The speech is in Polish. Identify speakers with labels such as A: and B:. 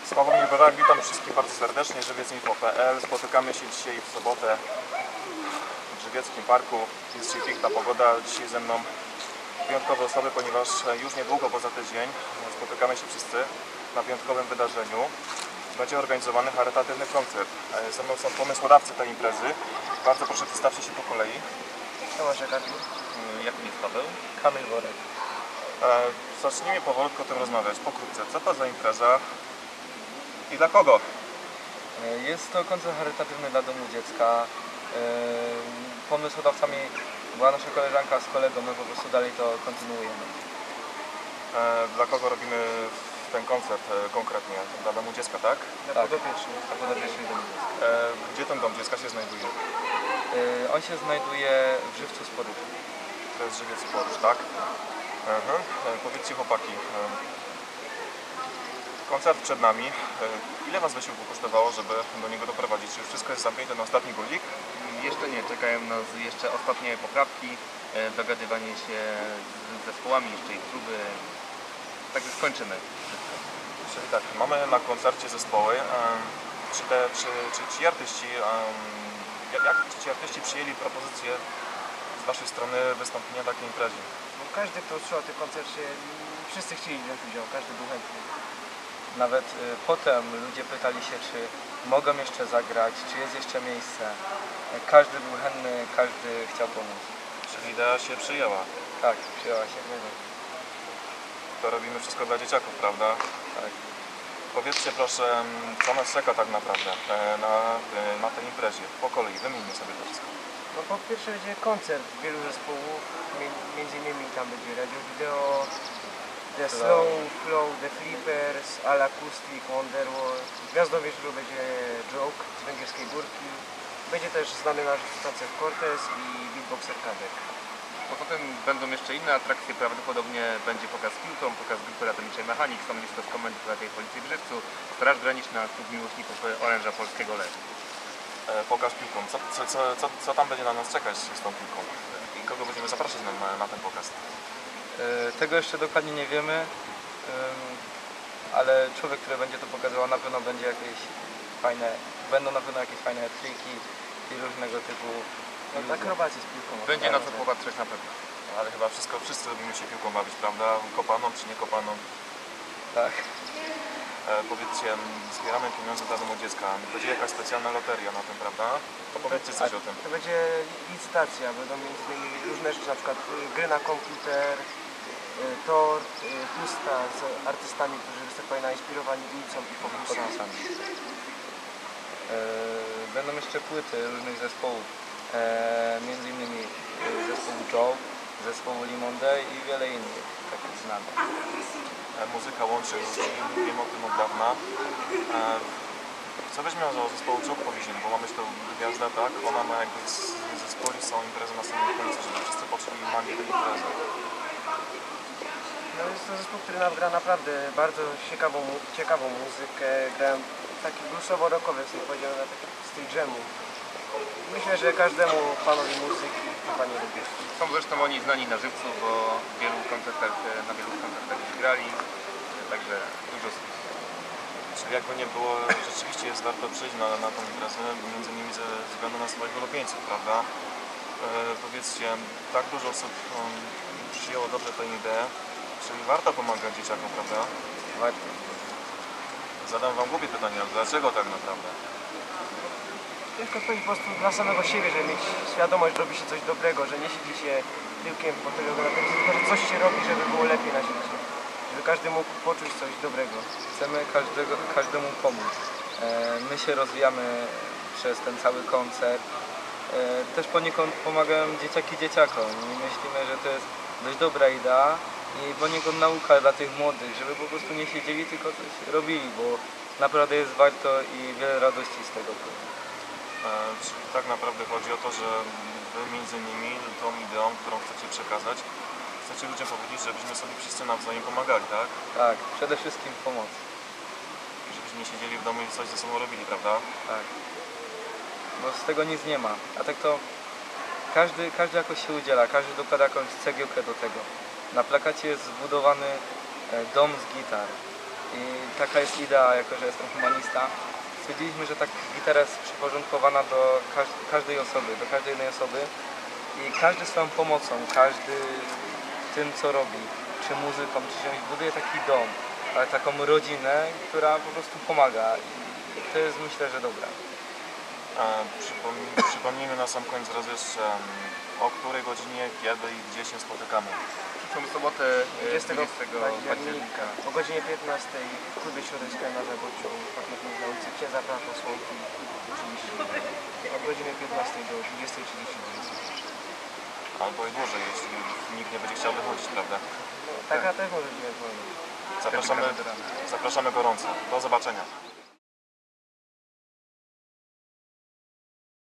A: Sławomir Borak, witam wszystkich bardzo serdecznie, Żywiec.info.pl. Spotykamy się dzisiaj w sobotę w Żywieckim Parku. Jest dzisiaj piękna pogoda, dzisiaj ze mną wyjątkowe osoby, ponieważ już niedługo, poza tydzień, spotykamy się wszyscy na wyjątkowym wydarzeniu. Będzie organizowany charytatywny koncert. Ze mną są pomysłodawcy tej imprezy. Bardzo proszę, przedstawcie się po kolei.
B: Tomasz Jakacki.
C: Jakim jest Paweł?
B: Kamil Worek.
A: Zacznijmy powolutku o tym rozmawiać, pokrótce. Co to za impreza i dla kogo?
B: Jest to koncert charytatywny dla Domu Dziecka. Pomysłodawcami była nasza koleżanka z kolegą, my po prostu dalej to kontynuujemy.
A: Dla kogo robimy ten koncert konkretnie? Dla Domu Dziecka, tak?
B: Dla podopiecznych Domu Dziecka.
A: Gdzie ten Dom Dziecka się znajduje?
B: On się znajduje w Żywcu Sporu.
A: To jest Żywiec Porusz, tak? Powiedzcie chłopaki, koncert przed nami. Ile Was wysiłku kosztowało, żeby do niego doprowadzić? Czy już wszystko jest zamknięte na ostatni guzik?
C: Jeszcze nie, czekają nas jeszcze ostatnie poprawki, dogadywanie się z zespołami, jeszcze ich próby. Także skończymy wszystko.
A: Czyli tak, mamy na koncercie zespoły. Czy ci artyści, jak ci artyści przyjęli propozycję z Waszej strony wystąpienia takiej imprezie?
D: Każdy, kto usłyszał o tym koncercie, wszyscy chcieli wziąć udział, każdy był chętny.
B: Nawet potem ludzie pytali się, czy mogą jeszcze zagrać, czy jest jeszcze miejsce. Każdy był chętny, każdy chciał pomóc.
A: Czyli idea się przyjęła.
B: Tak, przyjęła się.
A: To robimy wszystko dla dzieciaków, prawda?
B: Tak.
A: Powiedzcie proszę, co nas czeka tak naprawdę na tej imprezie? Po kolei, wymieńmy sobie to wszystko.
D: No po pierwsze będzie koncert wielu zespołów, między innymi tam będzie Radio Video, The Slow, Flow, The Flippers, Al Acoustic, Wonderwall. Gwiazdą wieczoru będzie Joke z Węgierskiej Górki. Będzie też znany nasz Stacek Cortez i beatboxer Kadek.
C: Poza tym będą jeszcze inne atrakcje, prawdopodobnie będzie pokaz piłką, pokaz grupy ratowniczej Mechanik, stanowisko z Komendy Powiatowej Policji w Żywcu, Straż Graniczna, Klub Miłośników Oręża Polskiego Lew.
A: Pokaż piłką. Co tam będzie na nas czekać z tą piłką? I kogo będziemy zapraszać na ten pokaz?
B: Tego jeszcze dokładnie nie wiemy, ale człowiek, który będzie to pokazywał, na pewno będzie będą na pewno jakieś fajne triki i różnego typu
D: Akrobacje z piłką.
C: Będzie na co popatrzeć na pewno.
A: Ale chyba wszyscy lubimy się piłką bawić, prawda? Kopaną czy nie kopaną?
B: Tak.
A: Powiedzcie, zbieramy pieniądze dla Domu Dziecka. Będzie jakaś specjalna loteria na tym, prawda? To powiedzcie coś o tym.
D: To będzie licytacja, będą między innymi różne rzeczy, na przykład gry na komputer, tort, pusta z artystami, którzy występują inspirowani ulicą i podpisami.
B: Będą jeszcze płyty różnych zespołów, między innymi zespołu Joe, zespołu Limonde i wiele innych takich znanych.
A: Muzyka łączy ludzi, wiem o tym od dawna. Co weźmiemy o zespołu Joke powiedzieli, bo mamy tą gwiazdę, tak? Ona ma jakby zespoły, są imprezy na samym końcu, żeby wszyscy poczuli magię tej imprezy.
D: No jest to zespół, który nam gra naprawdę bardzo ciekawą muzykę, grają taki bluesowo-rockowy, w powiedziałem, na taki styl dżemu. Myślę, że każdemu fanowi muzyki chyba nie lubi.
C: Są zresztą oni znani na Żywcu, bo na wielu koncertach już grali, także dużo słów.
A: Czyli jakby nie było, rzeczywiście jest warto przyjść na tą imprezę, między innymi ze względu na swoich ulubieńców, prawda? Powiedzcie, tak dużo osób przyjęło dobrze tę ideę, czyli warto pomagać dzieciakom, prawda?
B: Warto.
A: Zadam Wam głupie pytanie, ale dlaczego tak naprawdę?
D: Ciężko powiedzieć po prostu dla samego siebie, żeby mieć świadomość, że robi się coś dobrego, że nie siedzi się tyłkiem po tego na telewizji, tylko że coś się robi, żeby było lepiej na świecie. Żeby każdy mógł poczuć coś dobrego.
B: Chcemy każdemu pomóc. My się rozwijamy przez ten cały koncert. Też poniekąd pomagają dzieciaki dzieciakom i myślimy, że to jest dość dobra idea i poniekąd nauka dla tych młodych, żeby po prostu nie siedzieli, tylko coś robili, bo naprawdę jest warto i wiele radości z tego płynie.
A: Czyli tak naprawdę chodzi o to, że Wy między innymi tą ideą, którą chcecie przekazać, chcecie ludziom powiedzieć, żebyśmy sobie wszyscy nawzajem pomagali, tak?
B: Tak, przede wszystkim pomoc.
A: Żebyśmy nie siedzieli w domu i coś ze sobą robili, prawda?
B: Tak. Bo z tego nic nie ma. A tak to każdy jakoś się udziela, każdy dokłada jakąś cegiełkę do tego. Na plakacie jest zbudowany dom z gitar. I taka jest idea, jako że jestem humanista. Stwierdziliśmy, że tak gitara jest przyporządkowana do każdej osoby, do każdej jednej osoby i każdy swoją pomocą, każdy tym co robi, czy muzyką, czy czymś, buduje taki dom, ale taką rodzinę, która po prostu pomaga i to jest myślę, że dobre.
A: Przypomnijmy na sam koniec raz jeszcze, o której godzinie, kiedy i gdzie się spotykamy.
C: Przyszłą sobotę
D: 20
C: października.
D: o godzinie 15 w klubie środowiskowym na Zaboczu, pamiętnik na ulicy Księdza Prawa Słomki, oczywiście od godziny 15 do 20:30.
A: Albo i dłużej, jeśli nikt nie będzie chciał wychodzić, prawda?
D: No, taka też może być ewentualnie.
A: Zapraszamy gorąco. Do zobaczenia.